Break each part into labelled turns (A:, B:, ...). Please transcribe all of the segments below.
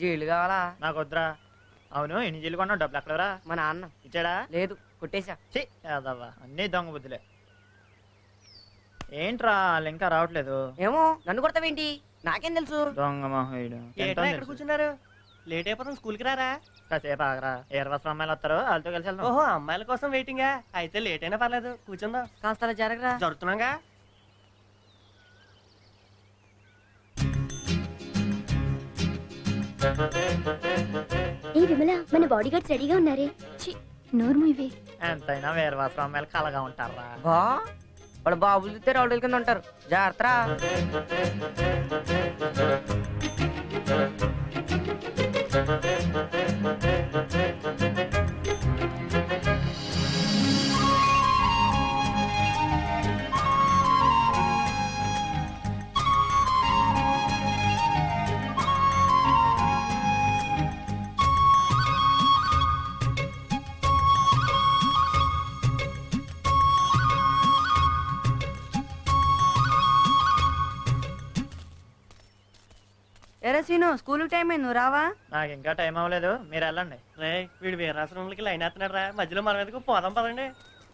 A: జీళ్ళు కావాలా?
B: నాకు వద్దురా. అవును, ఎన్ని జీలు కొన్నావు? డబ్బులు ఎక్కడరా?
A: మా నాన్న
B: ఇచ్చాడా?
A: లేదు, కొట్టేశా.
B: యాదవ్వా, అన్నీ దొంగ బుద్ధులే. ఏంట్రా వాళ్ళు ఇంకా రావట్లేదు?
A: ఏమో, నన్ను కొడతావేంటి? నాకేం తెలుసు?
B: దొంగ మహోయుడు.
C: ఎక్కడ కూర్చున్నారు? లేట్ అయిపోతాం, స్కూల్కి రారా?
B: కాసేపు ఆగరా, ఏర్వస్త్రం అమ్మాయిలు వస్తారు, వాళ్ళతో కలిసి వెళ్దాం.
C: ఓహో, అమ్మాయిల కోసం వెయిటింగా? అయితే లేట్ అయినా పర్లేదు, కూర్చుందాం.
A: కాస్త అలా జరగరా.
C: జరుగుతున్నాగా.
D: ఏ విమల, మన బాడీ గార్డ్స్ రెడీగా ఉన్నారే. నోర్ము ఇవే.
B: ఎంతైనా వేర్వస్త్రం అమ్మాయిలు కలగా ఉంటారా?
A: బా వాళ్ళ బాబులు తిస్తే రౌడీల కింద ఉంటారు. జాగ్రత్త. ఎరే సీను, స్కూల్ టైం అయింది, నువ్వు రావా?
B: నాకు ఇంకా టైం అవ్వలేదు, మీరు వెళ్ళండి.
C: రే, వీడు వీరాశ్రమంలోకి లైన్ వేస్తున్నాడు రా, మధ్యలో మన మీదకి పోదాం పదండి.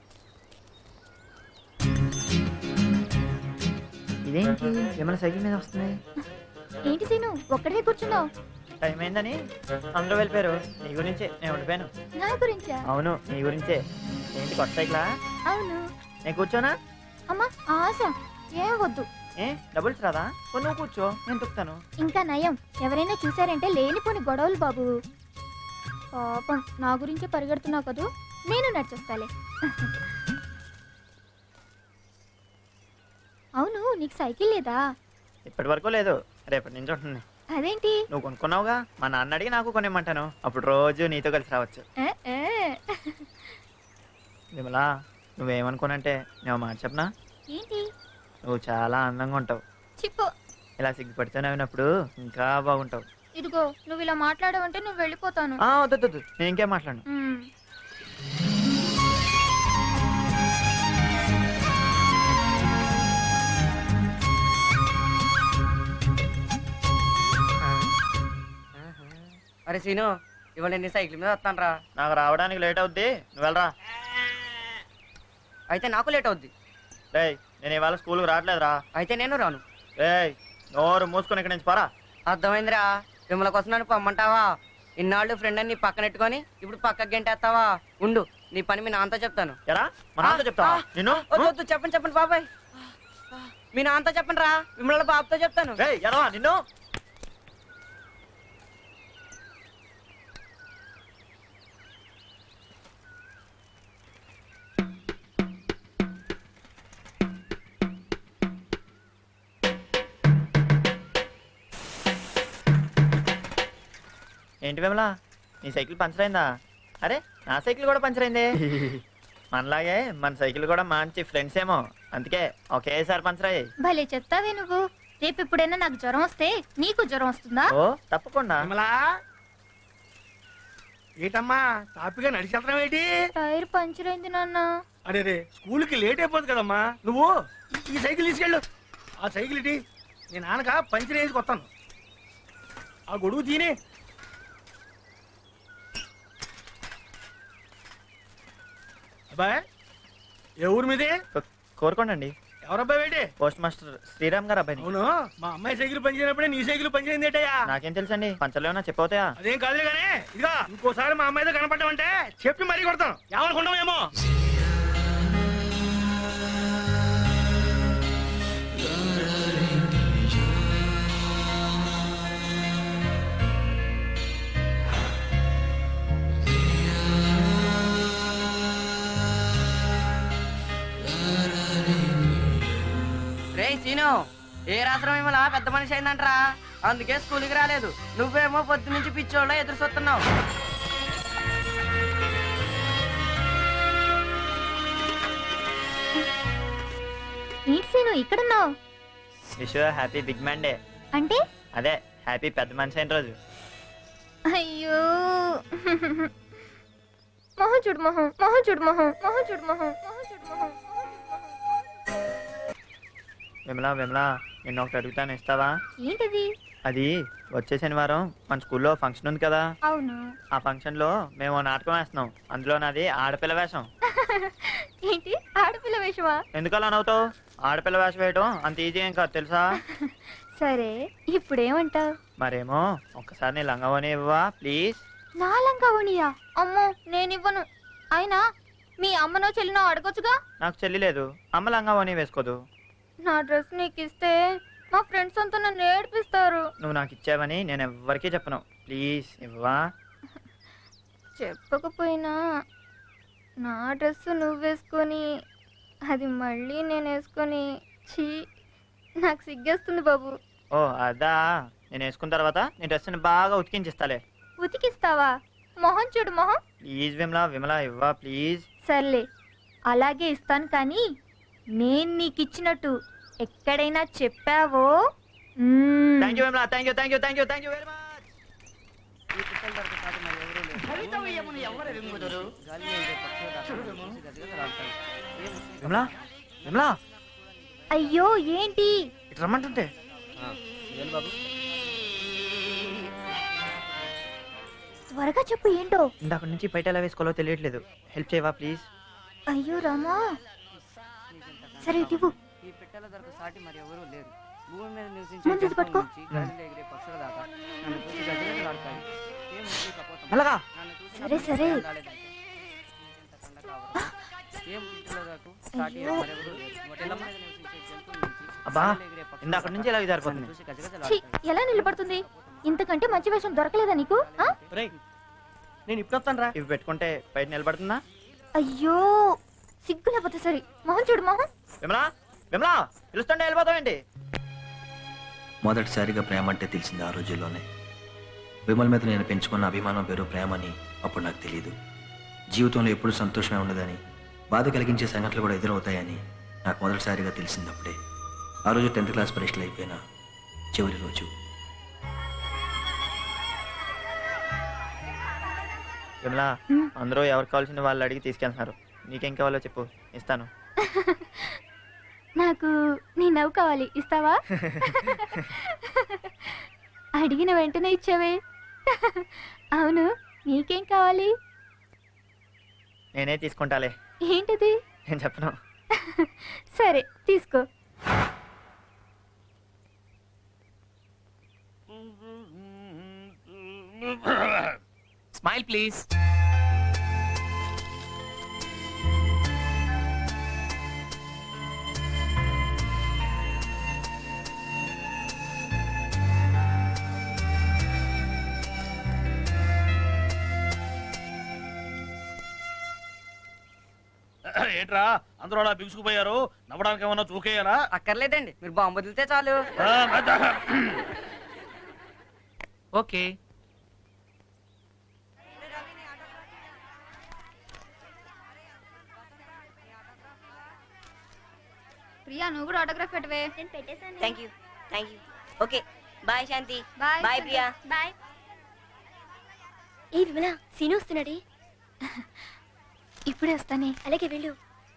B: ఇదేంటి విమల సైకిల్ మీద వస్తుంది?
D: ఏంటి సీను, ఒక్కడే కూర్చున్నావు?
B: టైం అయిందని అందరూ వెళ్ళిపోయారు. నీ గురించే నేను ఉండిపోయాను.
D: నా గురించా?
B: అవును, నీ గురించే. ఏంటి కొత్త సైకిలా?
D: అవును.
B: నేను కూర్చోనా?
D: అమ్మా ఆశ, ఏం వద్దు.
B: ఏ డబుల్స్ రాదా? నువ్వు కూర్చో, నేను తొక్కుతాను.
D: ఇంకా నయం, ఎవరైనా చూసారంటే లేనిపోని గొడవలు బాబు. పాపం, నా గురించే పరిగెడుతున్నావు కదూ, నేను నడిచొస్తాలే. అవును, నీకు సైకిల్ లేదా?
B: ఇప్పటి వరకు లేదు, రేపటి నుంచి ఉంటుంది.
D: అదేంటి?
B: నువ్వు కొనుక్కున్నావుగా, మా నాన్న అడిగి నాకు కొనిమ్మంటాను. అప్పుడు రోజు నీతో కలిసి రావచ్చు. విమలా, నువ్వేమనుకోనంటే నేను మాట చెప్పనా?
D: ఏంటి?
B: నువ్వు చాలా అందంగా ఉంటావు.
D: చిప్పు.
B: ఇలా సిగ్గుపడితే నవ్వినప్పుడు ఇంకా బాగుంటావు.
D: ఇదిగో, నువ్వు ఇలా మాట్లాడవంటే నువ్వు వెళ్ళిపోతాను.
B: వద్దు, నేను ఇంకేం మాట్లాడను.
A: అరే సీను, ఇవాళ నేను సైకిల్ మీద వస్తాను రా.
B: నాకు రావడానికి లేట్ అవుద్ది, నువ్వు వెళ్ళరా.
A: అయితే నాకు లేట్ అవుద్ది.
B: రేయ్, నేను ఇవాళ స్కూల్కి రావట్లేదురా.
A: అయితే నేను రాను.
B: రేయ్, నోరు మూసుకొని ఇక్కడి నుంచి పోరా.
A: అర్థమైందిరా. విమల కోసం నన్ను పొమ్మంటావా? ఇన్నాళ్ళు ఫ్రెండ్ అని నీ పక్కనెట్టుకొని ఇప్పుడు పక్కకి గంటేస్తావా? ఉండు, నీ పని మీ నాన్నతో చెప్తాను.
B: ఎరా, మా నాన్నతో చెప్తావా? నిన్ను
A: వద్దు, చెప్పండి బాబాయ్. మీ నాన్నతో చెప్పండి రా, విమల బాబుతో చెప్తాను.
B: రేయ్, ఎరా నిన్ను. ఏంటి విమలా, నీ సైకిల్ పంచర్ అయిందా? అరే, నా సైకిల్ కూడా పంచర్ అయింది. మనలాగే మన సైకిల్ కూడా మంచి ఫ్రెండ్స్ ఏమో, అందుకే ఒకేసారి పంచర్ అయ్యాయి.
D: భలే చెప్తావే నువ్వు. రేపు ఎప్పుడైనా నాకు జ్వరం వస్తే నీకు జ్వరం వస్తుందా?
B: ఓ తప్పకుండా.
E: ఏటమ్మా తాపిగా నడిచేస్తున్నావు ఏంటి?
D: టైర్ పంచర్ అయింది నాన్న.
E: అరే రే, స్కూల్కి లేట్ అయిపోతుంది కదమ్మా. నువ్వు ఈ సైకిల్ తీసుకెళ్ళు. ఆ సైకిల్ ఇటీ, నేను నాన్నక పంచర్ వేసుకు వస్తాను. ఆ గొడుగు తీనే. అబ్బాయి, ఏ ఊరు మీదే?
B: కోరుకోండి.
E: ఎవరబ్బాయి ఏంటి?
B: పోస్ట్ మాస్టర్ శ్రీరామ్ గారు అబ్బాయి.
E: అవును, మా అమ్మాయి సైకిల్ పనిచేయనప్పుడే నీ సైకిల్ పనిచేయింది ఏంటయ్యా?
B: నాకేం తెలుసండి, పంచర్లు ఏమన్నా చెప్పవుతాయా?
E: అదేం కాదులే కానీ, ఇదిగా ఇంకోసారి మా అమ్మాయితో కనపడ్డామంటే చెప్పి మరీ కొడతాను. ఏమనుకుంటాం ఏమో.
A: రే సీను, ఏ రాత్రం విమల పెద్ద మనిషి అయిందంటరా, అందుకే స్కూల్కి రాలేదు. నువ్వేమో పొద్దు నుంచి పిచ్చోళ్ళ ఎదురు చూస్తున్నావు.
D: ఏంటి సీను ఇక్కడున్నావు?
B: Wish happy big man day.
D: అంటే?
B: అదే హ్యాపీ పెద్ద మనిషి అయిన రోజు.
D: అయ్యో, మొహం చూడు, మొహం మొహం చూడు, మొహం మొహం చూడు, మొహం మొహం చూడు, మొహం.
B: విమలా, నిన్న ఒకటి అడుగుతాను, ఇస్తావా?
D: ఏంటది?
B: అది వచ్చే శనివారం మన స్కూల్లో ఫంక్షన్ ఉంది కదా,
D: అవును.
B: ఆ ఫంక్షన్ లో మేము ఓ నాటకం వేస్తున్నాం. అందులో నాది ఆడపిల్ల వేషం.
D: ఏంటి ఆడపిల్ల వేషమా?
B: ఎందుకలా నవ్వుతావు? ఆడపిల్ల వేషం వేయటం అంత ఈజీ ఏం కాదు తెలుసా?
D: సరే ఇప్పుడేమంటావు?
B: మరేమో ఒక్కసారి నీ లంగవని ఇవ్వవా ప్లీజ్?
D: నా లంగావోనియా? అమ్మో నేనివ్వను. అయినా మీ అమ్మనో చెల్లినో అడగొచ్చుగా.
B: నాకు చెల్లి లేదు, అమ్మ లంగవని వేసుకోదు.
D: నా డ్రెస్ నీకు ఇస్తే మా ఫ్రెండ్స్ అంతా నన్ను ఏడిపిస్తారు.
B: నువ్వు నాకు ఇచ్చావని నేను ఎవ్వరికీ చెప్పను. ప్లీజ్ ఇవ్వవా?
D: చెప్పకపోయినా నా డ్రెస్ నువ్వు వేసుకొని అది మళ్ళీ నేను వేసుకొని ఛీ నాకు సిగ్గేస్తుంది బాబు.
B: ఓ అదా, నేను వేసుకున్న తర్వాత నీ డ్రెస్ని బాగా ఉతికించిస్తాలే.
D: ఉతికిస్తావా? మొహం చూడు మొహం.
B: ప్లీజ్ విమలా, విమలా ఇవ్వా ప్లీజ్.
D: సర్లే అలాగే ఇస్తాను, కానీ నేను నీకు ఇచ్చినట్టు ఎక్కడైనా చెప్పావో
B: thank you Vimala, thank you thank you thank you thank you very much.
A: ఈ పిట్టల దొరక సాటి మరి ఎవరూ లేరు. గాలిలో ఎగిరే పక్షుల దాకా చూసి గజగజలాడతాయి. ఏ ముస్లిం
B: విమలా, విమలా
D: అయ్యో ఏంటి?
B: ఇటు రమ్మంటుంటే.
A: బాబు
D: త్వరగా చెప్పు ఏంటో.
B: ఇందాక నుంచి బయట ఎలా వేసుకోవాలో తెలియట్లేదు. హెల్ప్ చేయవా ప్లీజ్?
D: అయ్యో రామా. సరే ఇవ్వు.
A: ఈ పిట్టల దొరక సాటి మరి ఎవరూ లేరు. భూమి మీద నివసించే
D: ముందు ఇది
A: జంతువుల
D: పట్టుకో.
A: నుంచి గాలిలో ఎగిరే పక్షుల దాకా నన్ను చూసి గజగజలాడతాయి. ఏ ముస్లిం కపోతం
B: మెల్లగా.
A: నన్ను చూసి
D: సరే, సరే.
A: రాలేదంటే ఇంత కండ కావడం. ఏం పిట్టల దొరకు సాటి
D: అయ్యో.
A: మరెవరూ లేరు. భూమి మీద నివసించే జంతువుల నుంచి
B: అబ్బా,
A: గాలిలో ఎగిరే పక్షుల
B: ఇందాక
A: దాకా
B: నుంచి ఇలాగే
A: నన్ను
B: జారిపోతుంది.
A: చూసి
D: ఛీ,
A: గజగజలాడతాయి.
D: ఎలా నిలబడుతుంది? ఇంతకంటే మంచి వేషం దొరకలేదా నీకు? ఆ?
C: రేయ్ నేను ఇప్పుడు వస్తాను రా.
B: ఇవి పెట్టుకుంటే బయట నిలబడుతుందా?
D: అయ్యో సిగ్గు లేకపోతే సరే. మొహం చూడు మొహం.
B: విమలా, విమలా పిలుస్తుంటే వెళ్ళిపోతావేంటి?
F: మొదటిసారిగా ప్రేమ అంటే తెలిసింది ఆ రోజుల్లోనే. విమల్ మీద నేను పెంచుకున్న అభిమానం పేరు ప్రేమని అప్పుడు నాకు తెలియదు. జీవితంలో ఎప్పుడు సంతోషమే ఉండదని, బాధ కలిగించే సంఘటనలు కూడా ఎదురవుతాయని నాకు మొదటిసారిగా తెలిసింది అప్పుడే. ఆ రోజు 10th క్లాస్ పరీక్షలు అయిపోయిన చివరి రోజు.
B: విమలా, అందరూ ఎవరికి కావాల్సిన వాళ్ళు అడిగి తీసుకెళ్తున్నారు. నీకేం కావాలో చెప్పు, ఇస్తాను.
D: నాకు నీ నవ్వు కావాలి, ఇస్తావా? అడిగిన వెంటనే ఇచ్చావే. అవును నీకేం కావాలి?
B: నేనే తీసుకుంటాలే.
D: ఏంటిది?
B: నేను చెప్పను.
D: సరే తీసుకో.
G: Smile, please.
E: ఏంట్రా అందరూ అలా బిగుసుకుపోయారు? నవ్వడానికి ఏమన్నా చూకేయాలా?
A: అక్కర్లేదండి, మీరు బాంబు వదిలితే చాలు.
G: Okay.
D: ప్రియా నువ్వు కూడా ఆటోగ్రాఫ్ పెట్టవే.
H: Thank you okay bye Shanti.
D: Bye
H: bye Priya.
D: Bye.
H: ఏ విమల, సీను వస్తున్నాడే.
D: ఇప్పుడే వస్తానే.
H: అలాగే వెళ్ళు.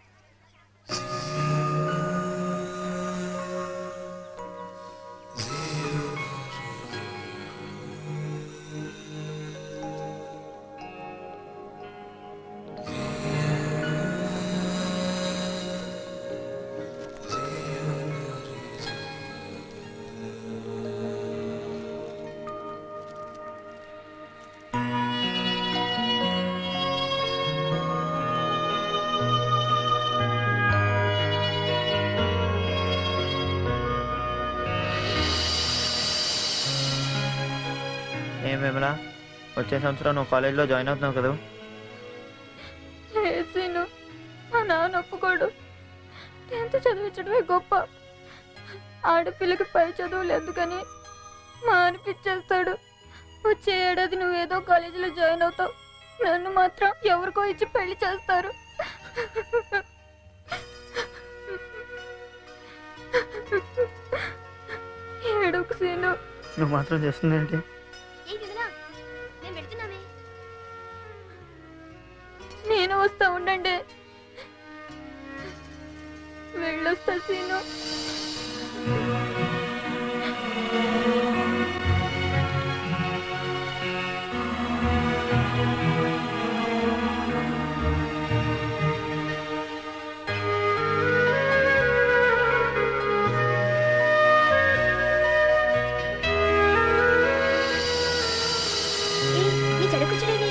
B: ఏం విమలా, వచ్చే సంవత్సరం నువ్వు కాలేజ్లో జాయిన్ అవుతున్నావు కదా?
D: లేసీను మా నాన్న ఒప్పుకోడు. 10th చదివించడమే గొప్ప. ఆడపిల్లకి పై చదువులు ఎందుకని మా అనిపించేస్తాడు. వచ్చే ఏడాది నువ్వేదో కాలేజీలో జాయిన్ అవుతావు. నన్ను మాత్రం ఎవరికో ఇచ్చి పెళ్లి చేస్తారు. ఏడుకు సీను.
B: నువ్వు మాత్రం చేస్తుందేంటి?
H: ఏ విమల, మేము వెళ్తున్నామే.
D: నేను వస్తా ఉండండి. వెళ్ళొస్తా సీను.
H: జడకుచ్చుడేవి